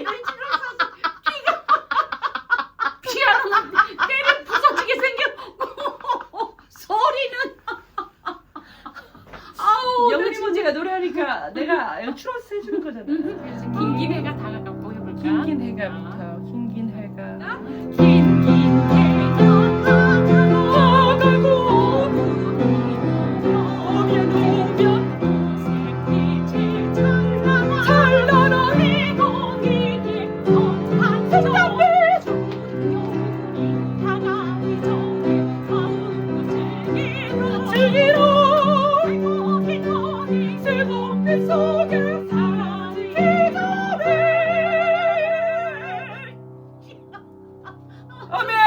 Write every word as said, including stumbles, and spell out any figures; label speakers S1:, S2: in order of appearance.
S1: 피아노는 때려 부서지게 생겨. 소리는 아우
S2: 영진 씨가 노래하니까 내가 추러스 해주는 거잖아.
S1: 그래서 긴긴 해가 다가가 보여볼까?
S2: 긴긴 해가부터 긴긴 해가
S1: 긴긴 해가 다가가고 오면 오면 오색빛이 찬란한 찬란한 이동이 깊은 한밤에 조용히 다가기 전에 마음껏 즐기러 즐기러 기꺼이 슬픔 속에 사라지기 전에
S2: 아멘.